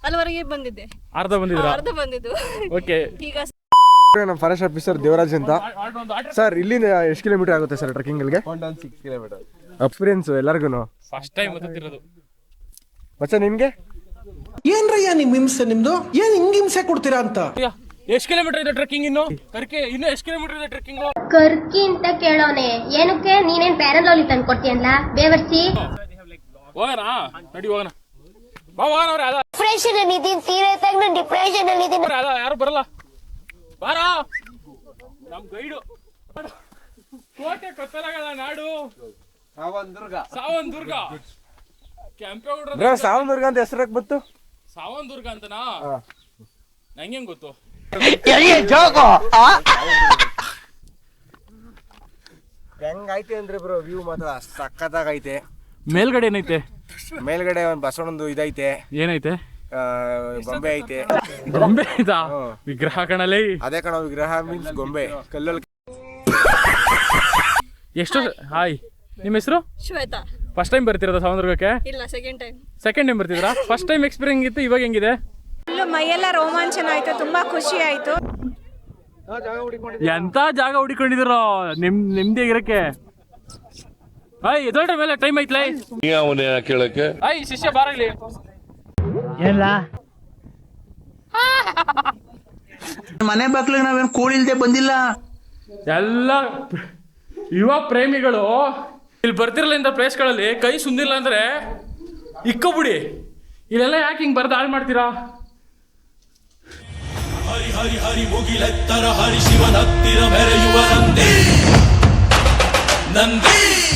ಅಲ್ಲಿವರೆಗೆ ಬಂದಿದ್ದೆ. ಅರ್ಧ ಬಂದಿದ್ದು. ಓಕೆ. ಈಗ ನಮ್ಮ ಫಾರೆಸ್ಟ್ ಆಫೀಸರ್ ದೇವರಾಜ್ ಅಂತ. ಸರ್ ಇಲ್ಲಿಂದ ಎಷ್ಟು ಕಿಲೋಮೀಟರ್ ಆಗುತ್ತೆ ಸರ್ ಟ್ರೆಕ್ಕಿಂಗ್ಗೆ? 6 ಕಿಲೋಮೀಟರ್. ಎಕ್ಸ್ಪೀರಿಯನ್ಸ್ ಎಲ್ಲರಿಗೂ ಫಸ್ಟ್ ಟೈಮ್ ಗೊತ್ತಿರೋದು. ಮಚ್ಚ ನಿಮ್ಗೆ ಏನ್ರಯ್ಯ ನಿಮ್ ಹಿಂಸೆ ನಿಮ್ದು? ಏನ್ ಹಿಂಗ್ ಹಿಂಸೆ ಕೊಡ್ತೀರಾ ಅಂತ? ಎಷ್ಟು ಕಿಲೋಮೀಟರ್ ಇದೆ ಟ್ರೆಕ್ಕಿಂಗ್? ಇನ್ನು ಎಷ್ಟು ಕಿಲೋಮೀಟರ್ ಇದೆ ಟ್ರೆಕ್ಕಿಂಗ್? ಕರ್ಕಿ ಅಂತ ಕೇಳೋನೆ. ಏನಕ್ಕೆ ನೀನೇನ್ ಪ್ಯಾರಲೋಲಿ ತಂದು ಕೊಡ್ತೀಯಲ್ಲ ಬೇವರ್ಸಿ? ಹೋಗೋಣ ನಡಿ ಹೋಗೋಣ. ಬಾ ಹೋಗೋಣ. ಅವ್ರೆ ಅದ ಡಿಪ್ರೆಷನ್ ಅಲ್ಲಿ ಇದೀನಿ, ಸೀರಿಯಸ್ ಆಗಿ ನಾನು ಡಿಪ್ರೆಷನ್ ಅಲ್ಲಿ ಇದೀನಿ. ಅದ ಯಾರು ಬರಲ್ಲ. ಬಾರ ನಮ್ ಗೈಡು. ಕೋಟೆ ಕೊತ್ತಲಗಳ ನಾಡು ಸಾವಂದುರ್ಗ. ಕೆಂಪೇಗೌಡ ಸಾವನದುರ್ಗ ಅಂತ ಹೆಸರಕ್ಕೆ ಬಂತು. ಸಾವಂದುರ್ಗ ಅಂತನಾ? ನಂಗೆ ಗೊತ್ತು. ಹೆಂಗೈತೆ ಅಂದ್ರೆ ಬ್ರೋ ವ್ಯೂ ಮಾತ್ರ ಸಕ್ಕತ್ತಾಗೈತೆ. ಮೇಲ್ಗಡೆ ಏನೈತೆ? ಮೇಲ್ಗಡೆ ಒಂದು ಬಸವಣ್ಣಂದು ಇದೈತೆ. ಏನೈತೆ? ಗೊಂಬೆ ಐತೆ. ಗೊಂಬೆ ಐತಾ? ವಿಗ್ರಹ ಕಣಲೇ. ಅದೇ ಕಣ ವಿಗ್ರಹ ಮೀನ್ಸ್ ಗೊಂಬೆ ಕಲ್ಲಲ್ಲಿ. ಎಷ್ಟು? ಹಾಯ್, ನಿಮ್ಮ ಹೆಸರು? ಶ್ವೇತಾ. ಫಸ್ಟ್ ಟೈಮ್ ಬರ್ತಿರೋದ ಸಾವಂದುರ್ಗಕ್ಕೆ? ಇಲ್ಲ, ಸೆಕೆಂಡ್ ಟೈಮ್ ಬರ್ತಿದ್ರಾ? ಫಸ್ಟ್ ಟೈಮ್ ಎಕ್ಸ್ಪೀರಿಯನ್ಸ್ ಇತ್ತು, ಇವಾಗ ಹೆಂಗಿದೆ? ಮೈಯೆಲ್ಲ ರೋಮಾಂಚನ ಆಯ್ತು, ತುಂಬಾ ಖುಷಿ ಆಯ್ತು. ಎಂತ ಜಾಗ ಹುಡುಕೊಂಡಿದಿರೋ ನಿಮ್ದೇ ಇರಕ್ಕೆ. ಎದೊಳ್ರ ಮೇಲೆ ಟೈಮ್ ಐತ್ಲೈ. ಕೇಳಕ್ಕೆ ಶಿಷ್ಯ ಬಾರ ಇಲ್ಲಿ. ಮನೆ ಬಾಗ್ಲಿಗೆ ನಾವೇನ್ ಕೋಳಿ ಇಲ್ದೆ ಬಂದಿಲ್ಲ. ಎಲ್ಲ ಯುವ ಪ್ರೇಮಿಗಳು ಇಲ್ಲಿ ಬರ್ತಿರಲ್ಲ ಇಂಥ ಪ್ಲೇಸ್ಗಳಲ್ಲಿ ಕೈ ಸುಂದಿಲ್ಲ ಅಂದ್ರೆ ಇಕ್ಕೋಬಿಡಿ. ಇಲ್ಲೆಲ್ಲ ಯಾಕೆ ಹಿಂಗ್ ಬರ್ದು ಹಾಳು ಮಾಡ್ತೀರಾ? ಹರಿ ಹರಿ ಹರಿ ಮುಗಿಲೆತ್ತರ ಹರಿ ಶಿವನತ್ತಿರ ಮೆರೆಯುವ ನಂದಿ.